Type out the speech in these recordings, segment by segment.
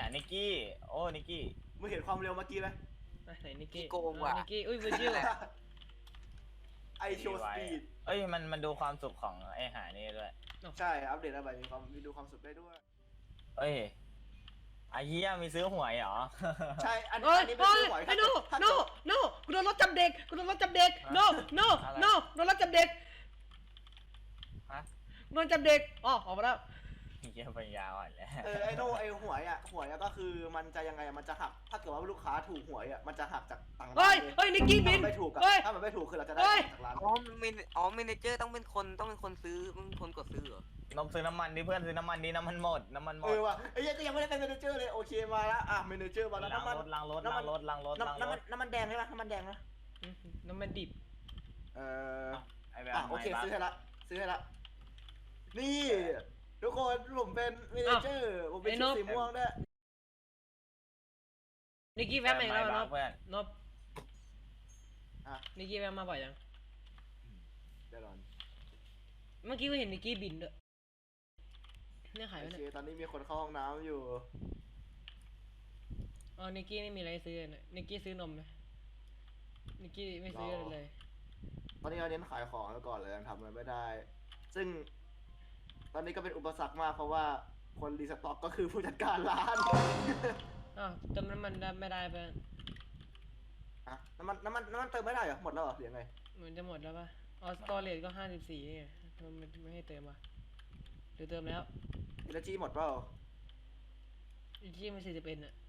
นิกกี้โอ้นิกกี้มึงเห็นความเร็วเมื่อกี้ไหมไหนนิกกี้โกงว่ะนิกกี้อุ้ยวิจิวไอโชว์สปีดเอ้ยมันดูความสุขของไอหานี่ด้วยใช่อัปเดตอะไรมีดูความสุขได้ด้วยเอ้ยไอ้เหี้ยมีซื้อหวยเหรอใช่อันเฮ้ยนี้เป็นเฮ้ยซื้อหวยไอ้โน่โน่โน่กูโดนรถจับเด็กกูโดนรถจับเด็กโน่โน่โน่โดนรถจับเด็กฮะโดนจับเด็กอ๋อออกมาแล้วเหี้ยปัญญาอ่อนแล้วไอโน่ไอหวยอะก็คือมันจะยังไงอะมันจะหักถ้าเกิดว่าลูกค้าถูกหวยอะมันจะหักจากตังค์เฮ้ยเฮ้ยนิกกี้บินถ้ามันไม่ถูกอะเฮ้ยถ้ามันไม่ถูกคือเราจะได้เฮ้ยจากร้านเมเนเจอร์ต้องเป็นคนซื้อมึงคนกดซื้อเหรอนมซื้อน้ำมันดิเพื่อนซื้อน้ำมันดิน้ำมันหมดน้ำมันหมดว่ะไอ้ยังก็ยังไม่ได้เป็นเมเนเจอร์เลยโอเคมาแล้วอ่ะเมเนเจอร์มาแล้วน้ำมันล้างรถน้ำมันล้างรถน้ำมันแดงใช่ปะน้ำมันแดงนะน้ำมันดิบเออไอ้แบบโอเคซื้อให้ละนี่ทุกคนผมเป็นเมเนเจอร์ผมเป็นชุดสีม่วงด้วยนิกกี้แวะมาอีกแล้วนบเพื่อนนบนิกกี้แวะมาบ่อยยังเดี๋ยวก่อนเมื่อกี้ก็เห็นนิกกี้บินด้วยเนี่ยขายโอไว้เคเนี่ยตอนนี้มีคนเข้าห้องน้ำอยู่อ๋อนิกกี้ไม่มีอะไรซื้อเลยนิกกี้ซื้อนมไหมนิกกี้ไม่ซื้ออะไรเลยตอนนี้เราเน้นขายของแล้วก่อนเลยยังทำอะไรไม่ได้ ซึ่ง ตอนนี้ก็เป็นอุปสรรคมากเพราะว่าคนรีสต็อกก็คือผู้จัดการร้านอ้าวเติมน้ำมันได้ไม่ได้เพื่อนอะน้ำมันเติมไม่ได้เหรอหมดแล้วเหรอหรือยังไงเหมือนจะหมดแล้วป่ะอ๋อสตอเรจก็54นี่ไงทำไมไม่ให้เติมวะหรือเติมแล้วอินจีหมดเปล่าอีกที่มัน41อ่ะ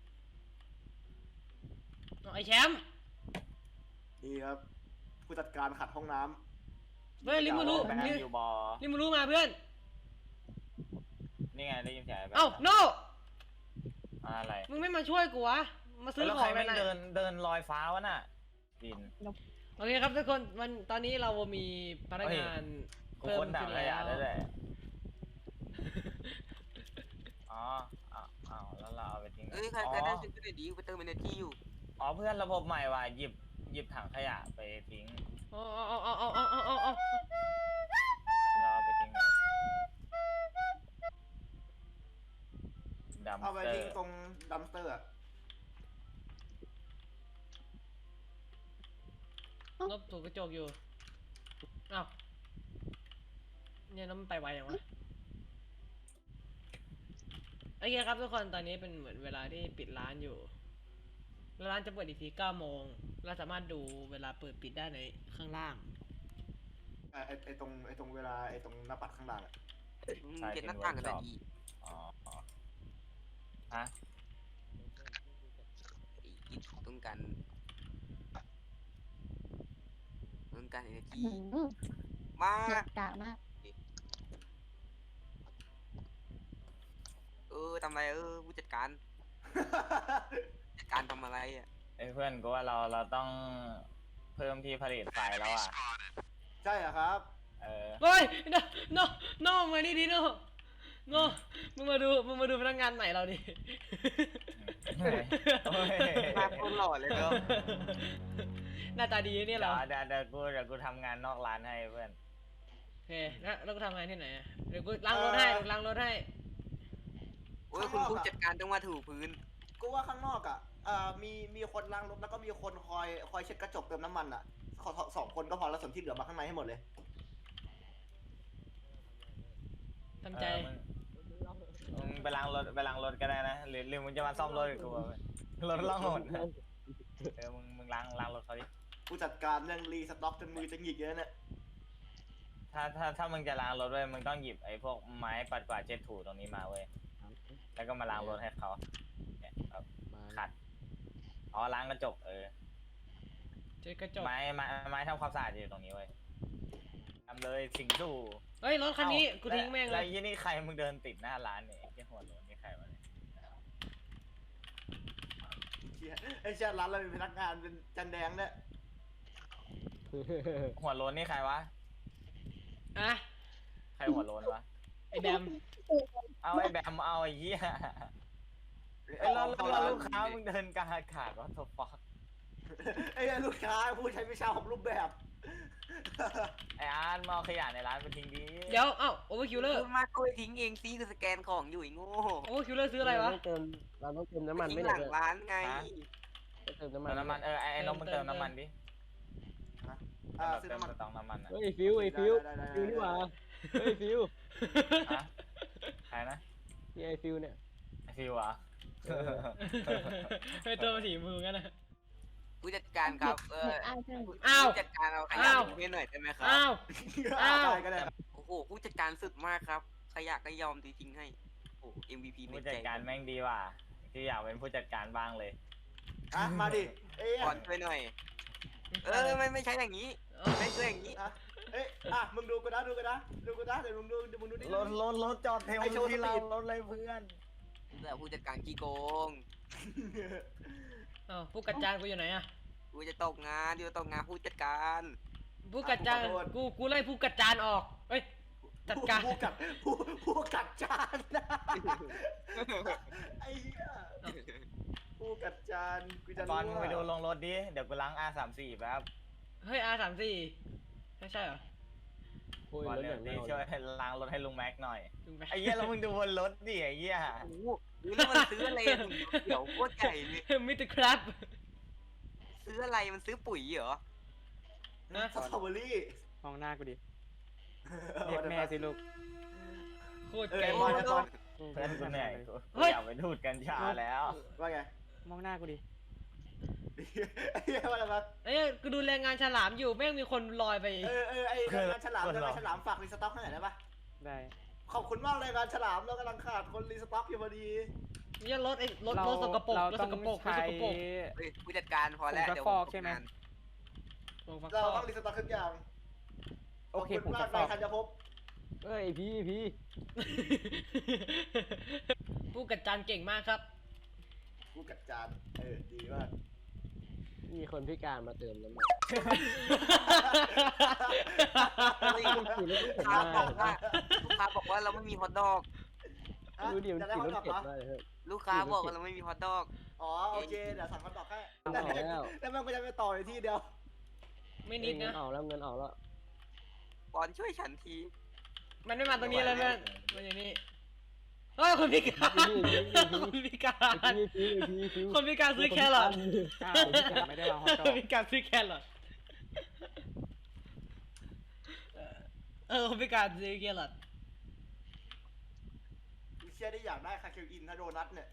อ๋อไอแชมป์นี่ครับ ผู้จัดการขัดห้องน้เฮ้ยลิมูรุแบงค์อยู่บอลิมูรุมาเพื่อนนี่ไงได้ยินเสียงเอ้าโนอะไรมึงไม่มาช่วยกูวะมาซื้อแล้วขใคอรง ไม่เลยนะเดินลอยฟ้าวะน่ะดินโอเคครับทุกคนตอนนี้เรามีพนักงานกูเพิ่มคนด่าขึ้นขยะได้แล้วเลยอ๋ออ้าวแล้วเราเอาไปทิ้งเอ้ยใครได้ซื้อก็ได้ดีไปเติมเมเนเจอร์อยู่อ๋อเพื่อนระบบใหม่ว่ะหยิบถังขยะไปทิ้งอ๋ออ๋อเราเอาไปทิ้งดัมำเอาไปเตอทิ้งร์ตรงดัมสเตอร์อะลบถูกกระจกอยู่อ้าวเนี่ยน้ำมันไปไวอย่างวะโอเคครับทุกคนตอนนี้เป็นเหมือนเวลาที่ปิดร้านอยู่แล้วร้านจะเปิดอีกที9 โมงเราสามารถดูเวลาเปิดปิดได้ในข้างล่างไอตรงเวลาไอตรงหน้าปัดข้างล่างอะเก็บหน้าต่างกันได้ดีอ๋อฮะต้องการเอเนจีมาหนักกากมากทำอะไรผู้จัดการทำอะไรอ่ะไอ้เพื่อนกูว่าเราต้องเพิ่มที่ผลิตไฟแล้วอ่ะใช่เหรอครับเฮ้ยโนมานี่ดิโนมึงมาดูพนักงานใหม่เราดิมาคนหล่อเลยเนาะหน้าตาดีเนี่ยเหรอเดี๋ยวกูทำงานนอกร้านให้เพื่อนโอเคแล้วก็ทำงานที่ไหนอะเดี๋ยวกูล้างรถให้โอ้ยคุณผู้จัดการต้องมาถูพื้นกูว่าข้างนอกอะมีคนล้างรถแล้วก็มีคนคอยเช็ดกระจกเติมน้ำมันอะสองคนก็พอแล้วส่วนที่เหลือมาข้างในให้หมดเลยทำใจมึงไปล้างรถก็ได้นะหรือมึงจะมาซ่อมรถกับกูรถล่องหนมึงล้างรถเขาดิผู้จัดการเรื่องรีสต็อกจนมือจะหงิกเยอะเนี่ยถ้ามึงจะล้างรถเว้ยมึงต้องหยิบไอ้พวกไม้ปัดกวาดเช็ดถูตรงนี้มาเว้ยแล้วก็มาล้างรถให้เขาเนี่ยแบบขัดอ๋อล้างกระจกเช็ดกระจกไม้ทำความสะอาดอยู่ตรงนี้เว้ยทำเลยสิ่งสู่เฮ้ยรถคันนี้กูทิ้งแม่งเลแล้วยยี่นี่ใครมึงเดินติดหน้าร้านเนี่ยไอ้หัวโล้นนี่ใครวะเนี่ยไอ้เชี่ยร้านเรามีพนักงานเป็นจันแดงเนี่ยหัวโล้นนี่ใครวะอะใครหัวโล้นวะไอแบมเอาไอ้แบมเอาไอ้เหี้ยไอ้เราลูกค้ามึงเดินกลางอากาศวะโทฟักไอ้ลูกค้าผู้ใช้วิชาของรูปแบบไออาร์ตมาเอาขยะในร้านไปทิ้งดิเดี๋ยวเอ้าโอเวอร์คิวเลอร์พูดมากก็ไปทิ้งเองซิคือสแกนของอยู่ไอ้โง่โอเวอร์คิวเลอร์ซื้ออะไรวะเราต้องเติมน้ำมันทิ้ไม่งได้หลังเลยร้านไงเติมน้ำมัเตินมน้ำมันไอ้นมมึงเติมน้ำมันดิซื้อเติมน้ำมันสต๊อกน้ำมันอะเฮ้ยฟิวฟิวนี่หว่าเฮ้ยฟิวฮะใครนะนี่ไอฟิวเนี่ยไอฟิวเหรอเฮ้ยตัวสีมือกันนะผู้จัดการครับอ้าวผู้จัดการเอาขยะอ้าวทิ้งให้หน่อยได้ไหมครับอ้าว อ้าวได้ก็ได้โอ้โหผู้จัดการสุดมากครับขยะก็ยอมทิ้งให้โอ้โห MVP ในผู้ใจจัดการแม่งดีว่ะที่อยากเป็นผู้จัดการบ้างเลยอ่ะมาดิเอ้ยก่อนช่วยหน่อย ไม่ใช่อย่างนี้ไม่ใช่อย่างนี้เอ้ยมึงดูกูนะเดี๋ยวมึงดูดิรถจอดเทลไอ้โชว์ที่เราสปีดรถเลยเพื่อนแต่ผู้จัดการขี้โกงอ้าวผู้กัดจานกูอยู่ไหนอะกูจะตกงานตกงานผู้จัดการผู้กัดจานกูไล่ผู้กัดจานออกเฮ้ยจัดการผู้กัดจานนะไอ้เหี้ยผู้กัดจานกูจะบอลมึงไปดูรู้ลงรถดิ เดี๋ยวกูล้าง R34 แป๊บเฮ้ย R34 ไม่ใช่เหรอโอ้ยบอลรถเร็อย่าว งดิเน่าช่วยล้างรถให้ลุงแม็กหน่อยลุงไปไอ้เหี้ยแล้วมึงดูบนรถดิไอ้เหี้ยโอ้โหแล้วมันซื้ออะไรเดี๋ยวโคตรใหญ่เลยมิสเตอร์ครับซื้ออะไรมันซื้อปุ๋ยเหรอนะสตรอเบอรี่มองหน้ากูดิ เรียกแม่สิลูกโคตรเออเก่งบอลบอลเพื่อนกูเหนื่อยกูเฮ้ยอยากไปดูดกัญชาแล้วว่าไงมองหน้ากูดิไอ้เหี้ยว่าอะไรวะเอ้ยกูดูแรงงานฉลามอยู่แม่งมีคนลอยไปไอ้งานฉลามได้ไหมฉลามฝากรีสต็อกให้หน่อยได้ปะได้ขอบคุณมากเลยงานฉลามเรากำลังขาดคนรีสต็อกอยู่พอดีเนี่ยรถรถเราสกปรกเรารถต้สองกปรกรถใช้สกปรกเฮ้ยผู้จัดการพอแล้วผงซักเดี๋ยวฟอกผใช่ไหมทำงานวงฟักเราทองต้องรีสต็อกทุกอย่างโอเคขอบผมคุณจะมากฟนาอย กธัญภพเอ้ยพี่ผู้กัดจานเก่งมากครับผู้กัดจานดีมากมีคนพิการมาเติมน้ำมันเฮ้ยลูกค้าบอกว่าเราไม่มีฮอทดอกดูดิมันจะได้ขี่ฮอรตถดอกเก็บเหรอได้เฮ้ยลูกค้าบอกว่าเราไม่มีฮอทดอกอ๋อโอเคเดี๋ยวสั่งฮอตดอกให้เอาแล้วแล้วมันก็จะไปต่ออยู่ที่เดียวไม่นิดเงินะนออกแล้วเงินออกแล้วปอนช่วยฉันทีมันไม่มาตรงนี้เลยแม่มันอย่างนี้เฮ้ยคนพิการคนพิการพี่คนพิการซื้อแครอทอ้าวพี่จัดไม่ได้มาฮอตดอคนกพิการซื้อแครอทคนพิการซื้อแครอทเชียได้อยากได้คาคิวอินถ้าโดนัทเนี่ย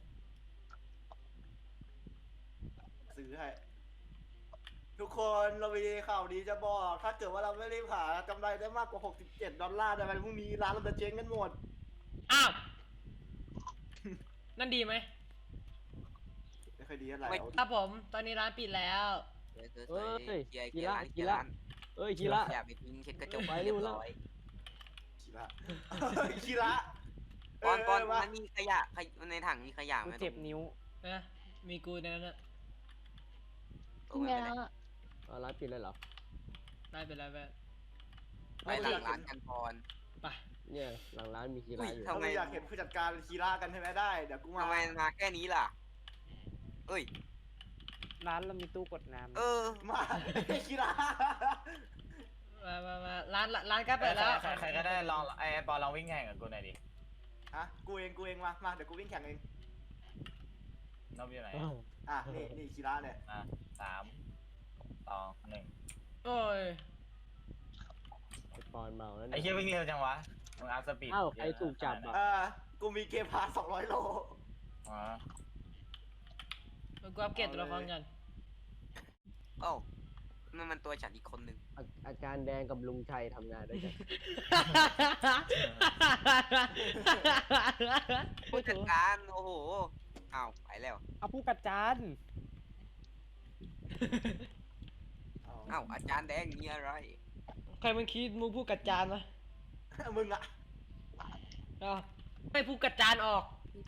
ซื้อให้ทุกคนเรามีข่าวดีจะบอก ถ้าเกิดว่าเราไม่รีบหากำไรได้มากกว่า$67ในวันพรุ่งนี้ร้านเราจะเจ๊งกันหมดอ้าวนั่นดีไหมไม่ค่อยดีเท่าไหร่ครับผมตอนนี้ร้านปิดแล้วเอ้ยเกียร์กีเกียฬาร์กีฬาเอ้ยกีฬาอย่าไปทิ้งเช็ดกระจกไปเรียบเร็วร้อยคีระคีระปอนปอนมามันมีขยะในถังมีขยะกูไหมเจ็บนิ้วนะมีกูในนั้นนะตรงนั้นไม่ได้เอาร้านปิดเลยเหรอได้ไปแล้วแม่ไปหลังร้านกันพรไปเนี่ยหลังร้านมีกีฬาอยู่ทำไมเราอยากเห็นผู้จัดการคีระกันใช่ไหมได้เดี๋ยวกูมาทำไมมาแค่นี้ล่ะ เอ้ยร้านเรามีตู้กดน้ำเออมาคีระมาร้านใกล้เปิดแล้วใครก็ได้ลองไอ้ปอลองวิ่งแข่งกับกูหน่อยดิอ่ะกูเองมาเดี๋ยวกูวิ่งแข่งเองนบอยู่ไหนนี่คีระเนี่ย 3 2 1 โอ้ยไอปอนเมาแล้วไอ้เนี่ยเหี้ยวิ่งเร็วจังวะมึงอัพสปีดอ้าวใครถูกจับอ่ะกูมีเกมพาส200 โลอ๋อกูอัปเกรดตัวละครกันเอ้ามันตัวฉันอีกคนนึงอาจารย์แดงกับลุงชัยทำงานด้วยกันผู้จัดการโอ้โหอ้าวไปแล้วเอาผู้กัดจานอ้าวอาจารย์แดงมีอะไรใครมันคิดมูผู้กัดจานวะมึงอะอ้าวให้ผู้กัดจานออก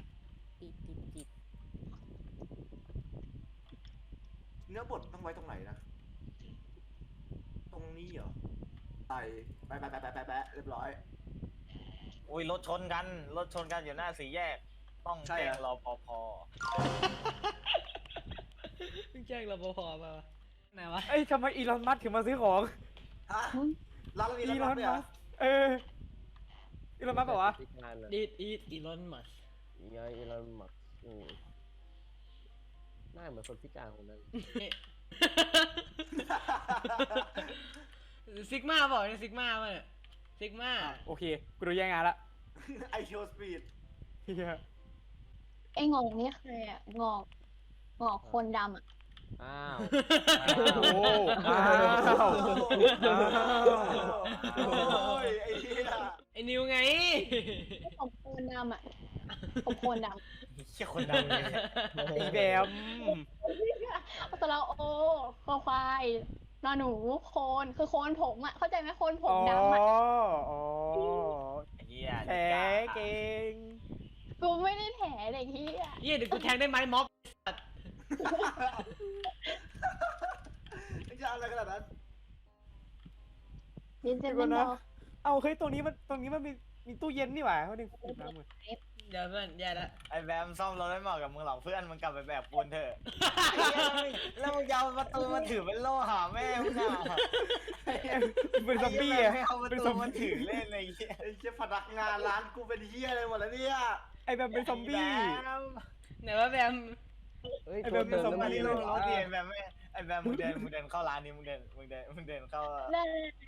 เนื้อบดต้องไว้ตรงไหนนะ ตรงนี้เหรอไปเรียบร้อยอุ้ยรถชนกันอยู่หน้าสี่แยก ต้องใช่แจ้เหงรอรปภแจ้งรปภมาวะไหนวะเอ้ยทำไมอีลอนมัสก์ถึงมาซื้อของฮะร้านเรามีอีร้านลอนเนี่ยมัสเอออีลอนมัสบอกว่าพิการอะดีดอีทอีลอนมัสอีไงอีลอนมัสหน้าเหมือนคนพิการคนนั้นซิกมาบอกเนี่ยซิกมาป่ะเนี่ยซิกมาโอเคกูโดนแย่งงานละไอโชว์สปีดเฮียไอ้งอกนี่ใครอ่ะงอกคนดำอ่ะอ้าวโอ้อ้าวโอ้ยไอ้เหี้ยไอ้นิวไงผมโคนดำอ่ะผมโคนดเชี่ยคนดังเลยอีแบมำตะเราโอคอควายนอหนูโคนคือโคนผมอ่ะเข้าใจไหมโคนผมดำอ่ะอ๋อไอ้เหี้ยแผลเก่งกูไม่ได้แถเด็กที่อ่ะเยี่ยเดี๋ยวกูแทงได้ไหมม็อบไม่ใช่อะไรขนาดนั้นดินเจเดี๋นยวเป็ก่อนนนะบอกเอาเฮ้ยตรงนี้มันมีตู้เย็นนี่หว่าเขาดึงน้ำมือเดี๋ยวเพื่อนแย่ละไอ้แบมซ่อมรถไม่เหมาะกับมึงหรอกเพื่อนมึงกลับไปแบกปูนเถอะไอ้เหี้ยแล้วมึงจะเอาประตูมาถือเป็นโล่หาแม่มึงอ่ะเป็นซอมบี้ไอ้อะเหี้ยแม่งเอาประเป็นตูซอมมาบี้ถือเล่นอะไรเงี้ยไอ้เชี่ยพนักงานร้านกูเป็นเหี้ยอะไรหมดแล้วเนี่ยไอ้แบบเป็นซอมบี้ไหนว่าแบมเฮ้ยไอ้ตัวแบบเป็เตินมซอมน้ำมันบี้นี่เลลยงรถดิไอ้แบบไม่ไอ้แบบมึงเดินเข้าร้านนี้มึงเดินเข้าได้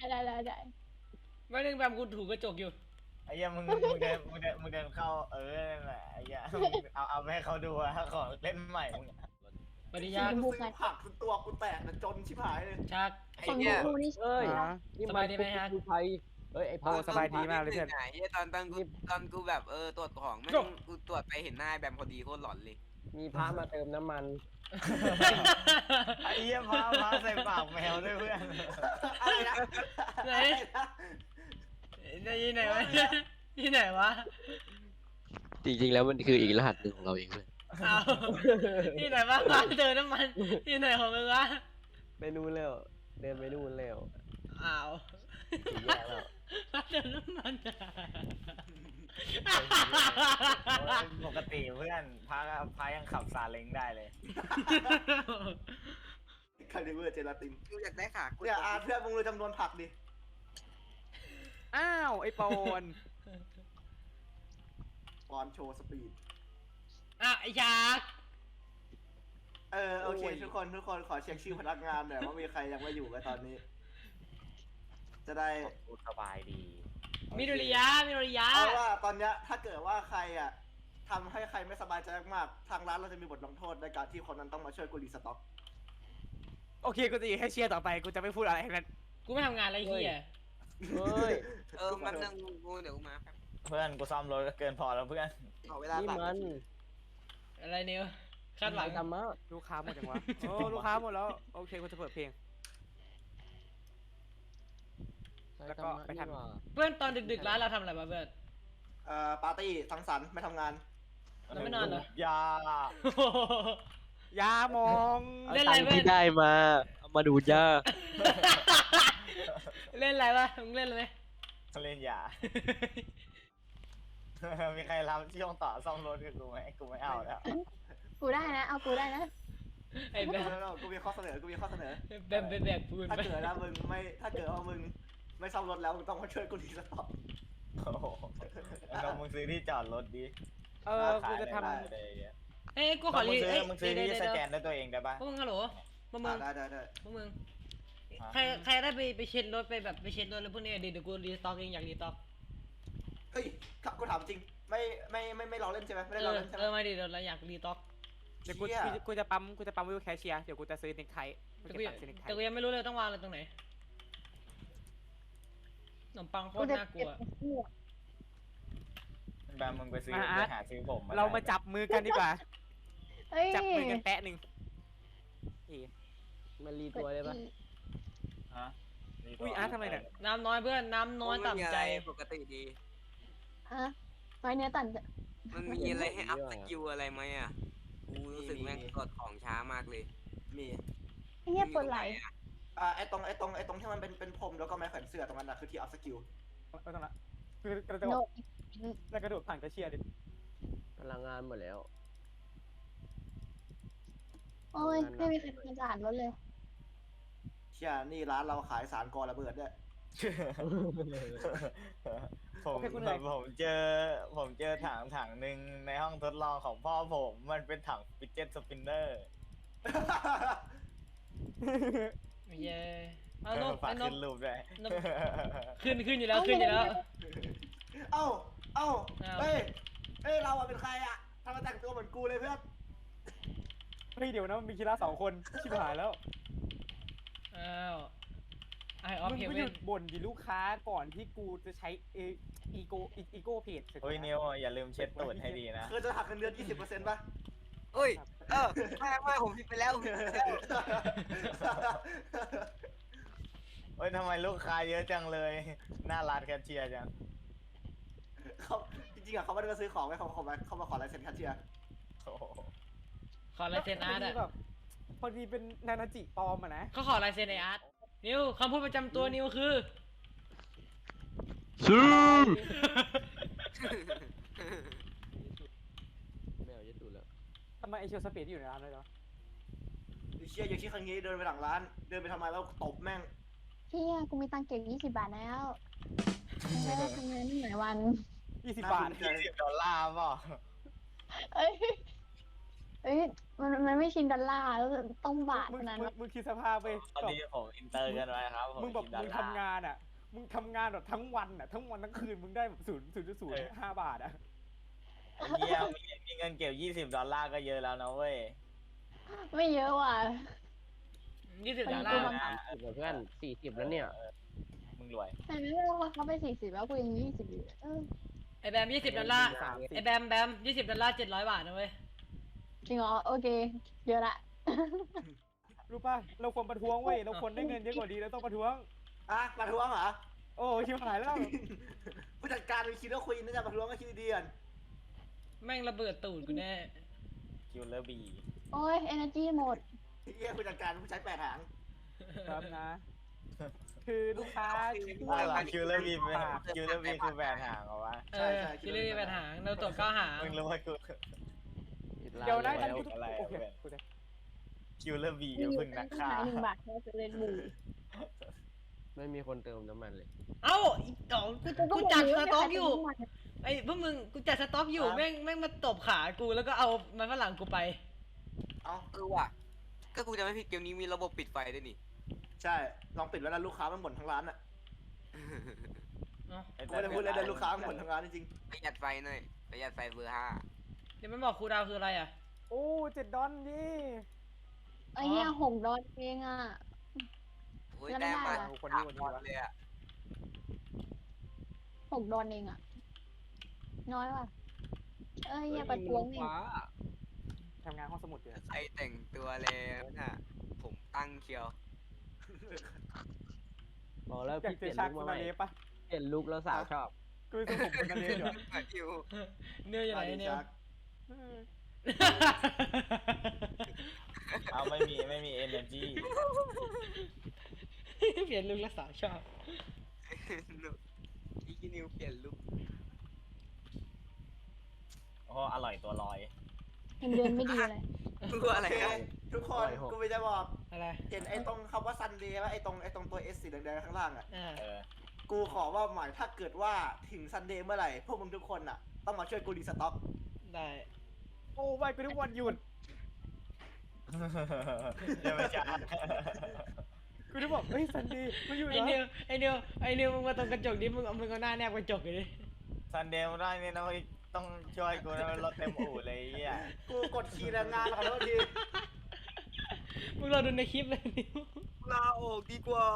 วันหนึงแบมกูถูกกระจกอยู่ไอ้เหี้ยมึงเดินเข้านั่นแหละไอ้เหี้ยเอาไปให้เขาดูอะของเล่นใหม่มึงอะปฏิซื้ญาณอผักจนตัวกูแตกแต่จนชิบหายเลยชักไอ้คนเนี่ยดูนี่เอ้ยอ่านี่สบายดีไหมฮะกูไทยเอ้ยไอ้โอ้พังสบายดีมากเลยเพื่อนไอ้เนี่ยตอนกูแบบตรวจของแม่งกูตรวจไปเห็นหน้าไอ้แบมพอดีโคตรหลอนเลยมีพระมาเติมน้ำมันไอ้เหี้ยพาใส่ปากแมวด้วยเพื่อนอะไรนะไหนได้ยินไหนวะที่ไหนวะจริงๆ แล้วมันคืออีกรหัสหนึ่งของเราเองเว้ยเอาที่ไหนวะร้านเติมน้ำมันที่ไหนของมึงวะไปนู่นแล้วเดินไปนู่นแล้วอ้าวถึงแยกแล้วร้านเติมน้ำมันอะปกติเพื่อนพายังขับซาเล้งได้เลยคาลิเบอร์เจลาตินกูอยากได้ขากูเนี่ยเพื่อนมึงรู้จำนวนผักดิอ้าวไอ้ปอนปอนโชว์สปีดอ่ะไอ้ชากโอเคทุกคนขอเช็คชื่อพนักงานหน่อยว่ามีใครยังไม่อยู่กันตอนนี้ จะได้สบายดีมิโดริยะเอาว่าตอนเนี้ยถ้าเกิดว่าใครอ่ะทำให้ใครไม่สบายใจมากๆทางร้านเราจะมีบทลงโทษในการที่คนนั้นต้องมาช่วยกูรีสต็อกโอเคกูจะอยู่ให้เชียร์ต่อไปกูจะไม่พูดอะไรทั้งนั้นกูไม่ทำงานอะไรเฮียเฮ้ยมันนึงกูเดี๋ยวกูมาแป๊บเพื่อนกูซ่อมรถก็เกินพอแล้วเพื่อนขอเวลานี่ตัดมันอะไรนิวคาดหวังธรรมะลูกค้าหมดจังวะโอ้ลูกค้าหมดแล้วโอเคกูจะเปิดเพลง แล้วก็ไปทำนี่หว่าเพื่อนตอนดึกๆร้านเราทำอะไรมาเพื่อนปาร์ตี้สังสรรค์ไม่ทำงานแล้วไม่นอนเหรอยายามองเล่นตัอะไรงค์เพื่อที่นได้มาเอามาดูดย่าเล่นอะไรวะมึงเล่นอะไรไหมเล่นยา มีใครรับช่วงต่อซ่อมรถกับกูไหมกูไม่เอาแล้วกูได้นะเอากูได้นะไอ้แบมกูมีข้อเสนอแบมไปแบกปูนถ้าไปเกิดว่ามึงไม่ซ่อมรถแล้วมึงต้องมาช่วยกูรีสต็อกโอ้โหลองมึงซื้อที่จอดรถดิกูจะทำได้อะไรอย่างเงี้ยเอ้ยกูขอรีมึงซื้อที่สแกนด้วยตัวเองได้ปะพวกมึงฮัลโหลพวกมึงได้พวกมึงใครได้ไปเช็ดรถไปแบบไปเช็ดรถแล้วพวกนี้เดี๋ยวกูรีสต็อกเองอยากรีสต็อกเฮ้ยกูถามจริงไม่ล้อเล่นใช่ไหมไม่ได้ล้อเล่นใช่ไหมมาดิเราอยากรีสต็อกเดี๋ยวกูจะปั๊มวิวแคชเชียร์เดี๋ยวกูจะซื้อเน็กไทกูจะตัดซื้อเน็กไทแต่กูยังไม่รู้เลยต้องวางอะไรตรงไหนขนมปังโคกูตรจะน่ากลัเก็บวหัวแบมมึงไปหาซื้อผมเรามาจับมือกันดีกว่าเฮ้ยจับมือกันแปะหนึ่งมันรีตัวได้ปะฮะอุ้ยอาร์ตทำไมเนี่ยน้ำน้อยเพื่อนน้ำน้อยต่ำใจปกติดีอ่ะไว้เนื้อตันมันมีอะไรให้อัพสกิลอะไรไหมอ่ะกูรู้สึกแม่งกดของช้ามากเลยมีไอ้เหี้ยปวดไหล่ไอ้ตรงที่มันเป็นพรมแล้วก็ไม้แขวนเสื้อตรงนั้นนะคือที่อัพสกิลไม่ต้องละคือกระโดโนดแล้วกระโดดผ่านแคชเชียร์ดิพลังงานหมดแล้วโอ้ยไม่มีใครทำความสะอาดรถเลยชชี่ยนี่ร้านเราขายสารก่อระเบิดด้วยผมโอเคคุณเหนื่อยผมเจอถังหนึ่งในห้องทดลองของพ่อผมมันเป็นถังฟิเจ็ตสปินเนอร์เย้เอานกฝากไอ้นขึ้กนรูปด้วยนก ขึ้นอยู่แล้วขึ้นอยู่แล้วเอ้าอ้าวเฮ้ยเราอะเป็นใครอะทำไมแต่งตัวเหมือนกูเลยเพื่อนเฮ้ยเดี๋ยวนะมันมีคีรา2 คนชิบหายแล้วอ้าวไอออฟมึงเฮก็เวหยุนดบ่นดิลูกค้าก่อนที่กูจะใช้อีโก้เพจเฮ้ยนิวอย่าลืมเช็ดตูดให้ดีนะคือจะหักเงินเดือน 20% ป่ะเอ้ยไม่ผมผิดไปแล้วผมผิดไปแล้วเฮ้ยทำไมลูกค้าเยอะจังเลยหน้าร้านแคชเชียร์จังเขาจริงๆอะเขาไม่ได้มาซื้อของไว้เขามาขอลายเซ็นแคชเชียร์โอ้โหขอลายเซ็นอาร์ตแบอ่ะบพอดีเป็นนานาจิปลอมอะนะเขาขอลายเซ็นไออาร์ตนิวคำพูดประจำตัวนิวคือซื้อไม่เอาเยอะตูดแล้วทำไมไอเชลสเปซอยู่ในร้านเลยเหรอไอ้เชี่ยอย่างที่ครั้งนี้เดินไปหลังร้าน เดินไปทำไมแล้วตบแม่งเฮียกูมีตังค์เก็บ20 บาทแล้วไม่ได้ทำงานหลายวัน 20 บาท $20ป่ะเอ้ยมันไม่ชินดอลลาร์แล้วต้องบาทมึงเท่านั้นมึงคิดสภาพไปตอนนี้ผมอินเตอร์กันไว้ครับผมมึงแบบคิดดอมึลงลาร์ทำงานอ่ะ มึงทำงานแบบทั้งวันอ่ะ ทั้งวันทั้งคืนมึงได้แบบ0.05 บาทอ่ะไอ้เหี้ยมีเงินเก็บ$20ก็เยอะแล้วนะเว้ยไม่เยอะว่ะ 20 ดอลลากูร์มัน 30เพื่อน40แล้วเนี่ยมึงรวยแต่ไม่รู้ว่าเขาไป40แล้วกูยัง20อยู่เออไอแบม20 ดอลลาร์ไอแบม20 ดอลลาร์700 บาทนะเว้ยจริงเหรอโอเคเยอะละรู้ป่ะ เราควรประท้วงเว้ย เราควรได้เงินเยอะกว่านี้แล้วต้องประท้วงประท้วงเหรอโอ้ชิบหายแล้วผู้จัดการไปคิดว่าคุยน่าจะประท้วงก็คิดดีๆกันแม่งระเบิดตูดกูแน่คิวเลอร์บีโอ้ย energy หมดเฮียผู้จัดการผู้ใช้8 หางครับนะ คือลูกค้าคิวเลอร์บีคือแบรนด์ห่างเหรอวะเออคิดเรื่องมีปัญหาเราตรวจ9หางมึงรู้ว่ากูเดี๋ยวนะแล้นั่นวกูอะไรโอเคเว้ยกูจะคิวเลอร์บีมีอยู่พึ่งนักฆ่าหาย1 บาทแค่จะเล่นบูไม่มีคนเติมน้ำมันเลยเอ้าอีกสองกูจัดสต็อกอยู่ ไอ้พวกมึงกูจัดสต็อกอยู่แม่งมาตบขากูแล้วก็เอามันฝรั่งกูไปเอ้าว่ะก็กูจะไม่ผิดเกมนี้มีระบบปิดไฟด้วยนี่ใช่ ลองปิดไว้แล้วลูกค้ามันบ่นทั้งร้านอะเอ้ากูไม่ได้พูดเลยแต่ลูกค้ามันบ่นทั้งร้านจริงประหยัดไฟหน่อยประหยัดไฟเบอร์เดี๋ยวมันบอกครูดาวคืออะไรอ่ะโอ้7 ดอลนี่ไอ้เนี่ย$6เองอ่ะ 5โอ้ยแล้วไม่ได้ได้มาเหรอคนนี้วะเลยอ่ะ $6เองอ่ะ น้อยว่ะ อย่าประท้วงนี่ทำงานห้องสมุดอยู่ใครแต่งตัวแล้วน่ะ ผมตั้งเชียวบอกแล้วอยากพี่เปจะลี่ยนชักลุกสมาใหนาม่เลปะเปลี่ยนลุกแล้วสาวชอบกูจะผมเป็นนาเลอยู่อยู่เนื้อๆอยู่ไหนดีเนี่ยชักเอาไม่มี energy เปลี่ยนลุงรักษาชอบอีนิวเปลี่ยนลุคโอ้อร่อยตัวลอยเงินเดือนไม่ดีเลยตัวอะไรโอเคกันทุกคน กูไม่จะบอกอะไรเห็นไอ้ตรงคำว่าซันเดย์ป่ะไอ้ตรงตัว S สีแดงๆข้างล่างอะอ่าเออกูขอว่าหมายถ้าเกิดว่าถึงซันเดย์เมื่อไหร่ พวกมึงทุกคนอะต้องมาช่วยกูรีสต็อกได้โอ้ไม่กูทุกวันหยุดยังไม่จ่ายกูจะบอกเฮ้ยซันดี้กูอยู่ไอ้นะนิวมึงมาตรงกระจกดิมึงเอาหน้าแนบกระจกอยู่ดิซันเดย์ไม่ได้นี่นะเว้ยต้องช่วยกูนะรถเต็มอู่เลยไอ้เหี้ยกูกดคีย์แรงงานขอโทษทีมึงรอดูในคลิปเลยนิวลาออกดีกว่า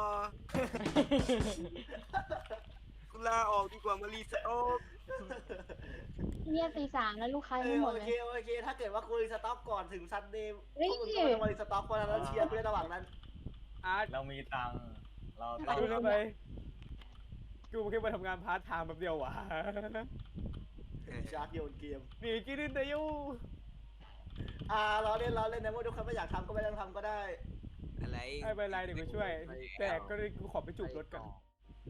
กูลาออกดีกว่ามารีสต็อกเนี่ยตี 3แล้วลูกค้ายังไม่หมดโอเลยเคโอเค ถ้าเกิดว่ากูรีสต็อกก่อนถึงซันเดย์เฮ้ยพวกมึงก็ต้องมารีสต็อกเพราะฉะนั้นเชียร์กูในระหว่างนั้นอาร์ตเรามีตังค์เราต้องดูทำไมกูแค่มาทำงานพาร์ทไทม์แบบเดียววะชาร์จโยนเกมหนีกินแต่ยูเราเล่นนะว่าทุกคนไม่อยากทำก็ไม่ต้องทำก็ได้อะไรไม่เป็นไรเดี๋ยวกูช่วย แต่ก็เลยกูขอไปจูบรถก่อน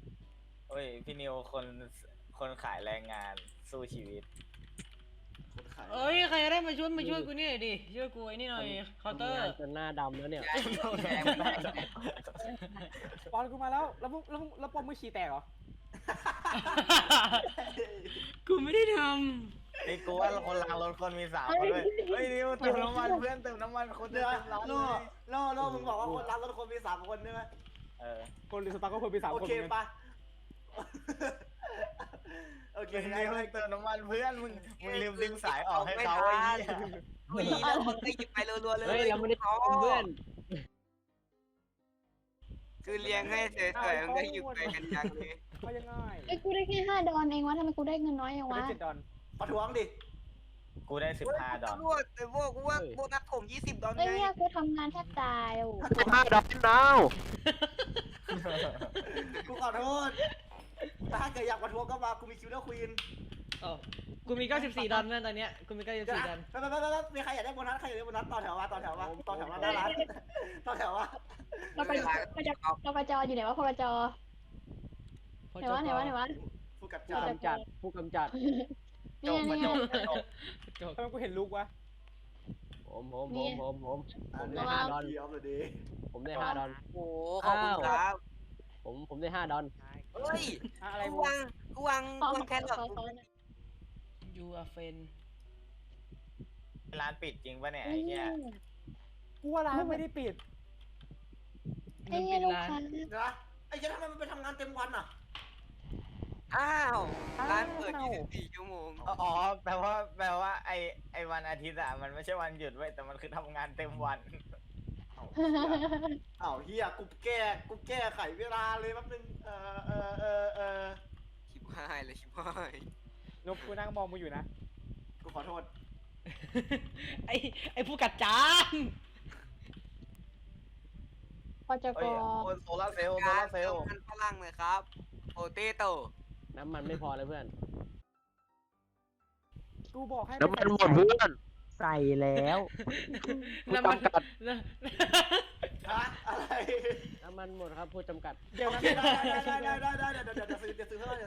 เฮ้ยพี่นิวคนขายแรงงานสู้ชีวิตคนขายเอ้ยใครได้มาช่วยกูนี่หน่อยดิช่วยกูไอ้นี่หน่อยเคาน์เตอร์ทำงานจนหน้าดำแล้วเนี่ยปอนกูมาแล้วแล้วปอมมือฉี่แตกเหรอกูไม่ได้ทไอ้กูว่าคนล้างรถคนมี3คนเลยเฮ้ยนิวเติมน้ำมันเพื่อนเติมน้ำมันคนเดี๋เดิยวนร้านโน่มึงบอกว่าคนรับรถคนมี3 คนใช่ไหมคนหรือสตาร์ก็คนมี3 โอคนเคปะโอเคนิวเติมน้ำมันเพื่อนมึงลืมดึงสายออกให้เขาไม่ทัน แล้วคนก็หยิบไปรัวๆเลยเฮ้ยเราไม่ได้เป็นเพื่อนคือเลี้ยงให้เฉยๆมันก็หยิบไปกันจังเลยเขายังไงไอ้ยกูได้แค่5 ดอลเองวะทำไมกูได้เงินน้อยอย่างกูได้วะ 7 ดอลประท้วงดิกูได้15 ดอลตำรวจแต่พวกกูว่าโบนัสผม20 ดอลเอ้ยไงเนี่ยกูทำงานแทบตายโอ้ 5 ดอกนาวกูขอโทษถ้าเกิดอยากประท้วงก็มากูมีคิวเดอร์ควีนำอ๋อกูมี94 ดอลนะตอนเนี้ยกูมี94 ดอลไปมีใครอยากได้โบนัสใครอยากได้โบนัสต่อแถวมาหน้าร้านต่อแถวมาเราไปจออยู่ไหนวะพลจไหนวะผู้กัดผู้จานกำจัดผู้กำจัดจบมาจบจบทำไมกูเห็นลูกวะผมได้5 ดอลเดี๋ยวเลยดิผมได้5 ดอลโอ้ขอบคุณครับผมได้5 ดอลเฮ้ยอะไรกูวะวางแครอทยูอาเฟนร้านปิดจริงปะเนี่ยไอ้เหี้ยกูว่าร้านไม่ได้ปิดไอ้เหี้ยลูกค้านะไอ้เจ้าทำไมมันไปทำงานเต็มวันอ่ะอ้าวร้านเปิด24 ชั่วโมงอ๋อแปลว่าไอ้วันอาทิตย์อะมันไม่ใช่วันหยุดเว้ยแต่มันคือทำงานเต็มวันอ้าวเฮียกูแก้ไขเวลาเลยแป๊บนึงชิบหายเลยชิบหายนบกูนั่งมองมึงอยู่นะกูขอโทษไอ้ผู้กัดจานพจกเฮ้ยโซลาร์เซลล์มันฝรั่งเลยครับโปเตโต้น้ำมันไม่พอเลยเพื่อนกูบอกให้น้ำมันหมดเพื่อนใส่แล้วผู้จำกัดฮะอะไรน้ำมันหมดครับผู้จำกัดเดี๋ยวโอนะเคได้เดี๋ยวซื้อเพิ่ม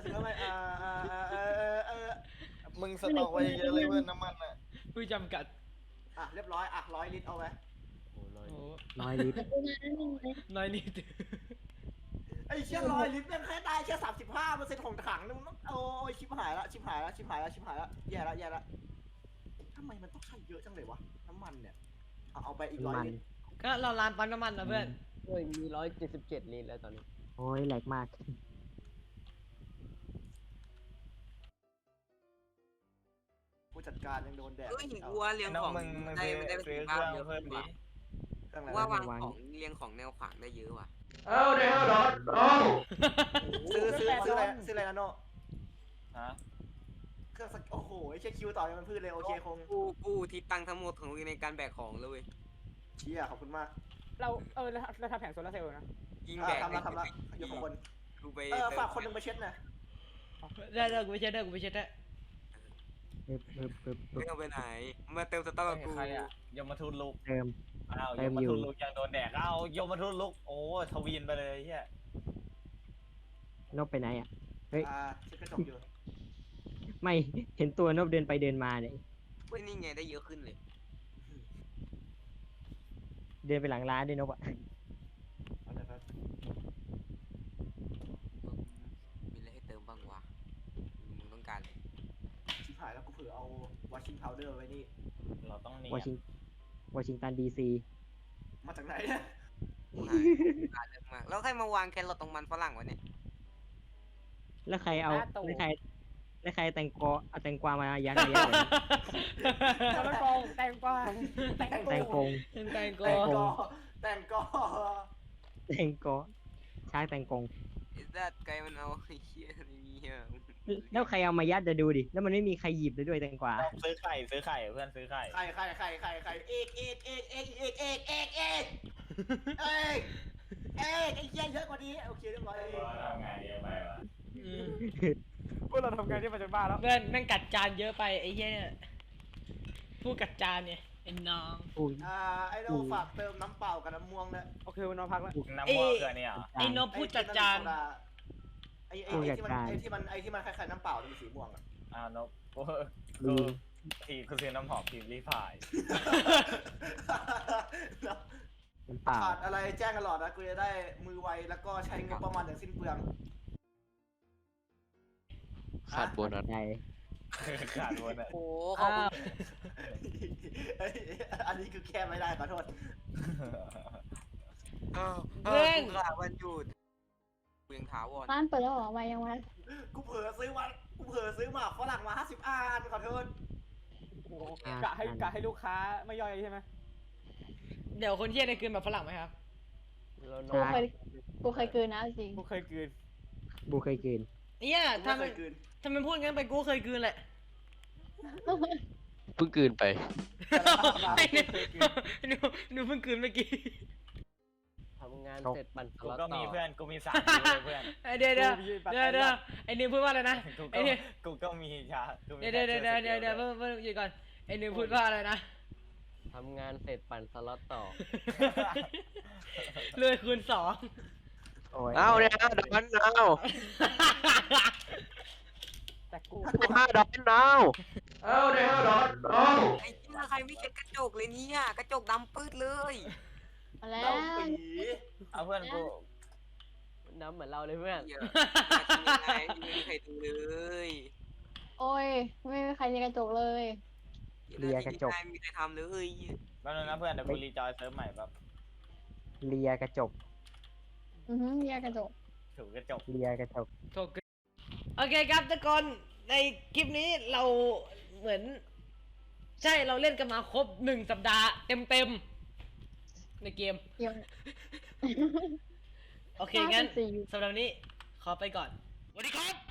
มึงสต็อกไว้เยอะเลยเพื่อนน้ำมันอะผู้จำกัดเรียบร้อย100 ลิตรเอาไว้โอ้ 100 ลิตรกูมาแล้วนึงเลยน้อยนิดไอ้เชี่ย100 ลิตรยังแค่ได้แค่35%ของถังนึงโอ้ยชิบหายละแย่ละทำไมมันต้องใช้เยอะจังเลยวะน้ำมันเนี่ยเอาไปอีก100 ลิตรก็เราร้านปั๊มน้ำมันนะเพื่อนโอ้ยมี177 ลิตรแล้วตอนนี้โอ้ยแหลกมากผู้จัดการยังโดนแดดเฮ้ยวัวเลี้ยงน้อขงองมึงได้ซื้อได้เคเป็นรื่องบ้านเยอะเพิ่มดิว่าวางของเลี้ยงของแนวขวางได้เยอะว่ะซื้ออะไรนะโน่ฮะเครื่องโอ้โหไอ้เชี่ยคิวต่อยังมันพืชเลยโอเคคงกูที่ตั้งทั้งหมดของในการแบกของเลยเว้ยเชี่ยขอบคุณมากเราทำแผงโซลาร์เซลล์นะยิงแบกทำละยกของคนกูไปฝากคนนึงไปเช็ดนะได้กูไปเช็ดได้ไม่เอาไปไหนมาเติมสต๊อกกับกูใครอะยมทูตลุกเติมอ้าวยเติมมอยู่ทูตลุกยังโดนแดกอ้าวยมทูตลุกโอ้ทวีนไปเลยเฮียนบไปไหนอ่ะเช็ดกระจกอยู่ไม่เห็นตัวนบเดินไปเดินมาเนี่ยเว้ยนี่ไงได้เยอะขึ้นเลยเดินไปหลังร้านด้วยนบอ่ะเอาเลยครับมีอะไรให้เติมบ้างวะมึงต้องการเลยชิบหายแล้วกูเผื่อเอาวอชิงพาวเดอร์ไว้นี่เราต้องเนีวอย ชิงตันดีซีมาจากไหนเนี่ยการเยอะมากแล้วใครมาวางแครอทตรงมันฝรั่งวะเนี่ยแล้วใครเอาแล้วใครแตงกวามายัดไว้โซลาร์กองแตงกวาแตงกงแตงโกแต่งก็ช้างแตงกงไอ้สัตว์ไก่มันเอาไอ้เหี้ยนี่อ่ะแล้วใครเอามายัดจะดูดิแล้วมันไม่มีใครหยิบเลยด้วยแตงกวาซื้อไข่เพื่อนซื้อไข่ไข่เอกไอ้เหี้ยเยอะกว่านี้โอเคเรียบร้อยทำงานเยอะไปวะพวกเราทำงานที่มาจากบ้านแล้วเพื่อนแม่งกัดจานเยอะไปไอ้เหี้ยเนี่ยผู้กัดจานเนี่ยไอ้น้องอุ้ยไอ้โน่ฝากเติมน้ำเปล่ากับน้ำม่วงนะโอเควันนอนพักแล้วน้ำม่วงเกลือเนี่ยเหรอไอ้นบผู้จัดจานไอ้ที่มันคล้ายๆน้ำเปล่าที่มันสีม่วงอ่ะอ้าวนกกูทีกูซื้อน้ำหอมพิมพ์รีพายมันเปล่าขาดอะไรแจ้งตลอดนะกูจะได้มือไวแล้วก็ใช้งบประมาณอย่างสิ้นเปลืองขาดโบนัสใจขาดบนอ่ะโอ้ขอบคุณเอ้ยอันนี้คือแค่ไม่ได้ขอโทษกูขาดวันหยุดกูยังถาวรร้านเปิดแล้วเหรอไวยังวะกูเผลอซื้อหมากฝรั่งมา50อันขอโทษโอ้โหกะให้ลูกค้าไม่ย่อยใช่ไหมเดี๋ยวคนเที่ยในคืนแบบฝรั่งไหมครับกูเคยกลืนนะจริงกูเคยกลืนบูเคยกินเนี่ยกูถ้าไม่มันเคยกลืนถ้ามันพูดงั้นไปกูเคยกลืนแหละเพิ่งกลืนไปไอ้เนี่ยหนูเพิ่งกลืนเมื่อกี้ทำงานเสร็จปั่นสกูล็อตก็ต่มีอเพื่อนกูมี3คิวเลยเพื่อนเดี๋ยวไอ้นิวพูดว่าอะไรนะกูไอ้ก็นิวกูก็มีชากูมีเดี๋ยวเพิ่งหยุดก่อนไอ้นิวพูดว่าอะไรนะทำงานเสร็จปั่นสล็อตต่อเลยคูณโอ้ยเอาเนี่ยดอนเอาแต่กูดอนเอาเนี่ยดอนเอาไอ้เหี้ยใครไม่เช็ดกระจกเลยเนี่ยกระจกดำปืดเลยมาแล้เล่าว ปีเอาเพื่อนกูน้ำเหมือนเราเลยเพื่อนเหี้ยมาทำยังไงไม่มีใครดูเลยโอ้ยไม่มีใครในกระจกเลยไม่มีใครทำเลยแป๊บนึงนะเพื่อนเดี๋ยวกูรีจอยเซิร์ฟใหม่แป๊บเลียกระจกเรียกกระจกถูกกระจกเลียกระจกโอเคครับทุกคนในคลิปนี้เราเหมือน ใช่เราเล่นกันมาครบ1 สัปดาห์เต็มในเกมเดี๋ยวโอเคงั้น 54 สำหรับวันนี้ขอไปก่อนสวัสดีครับ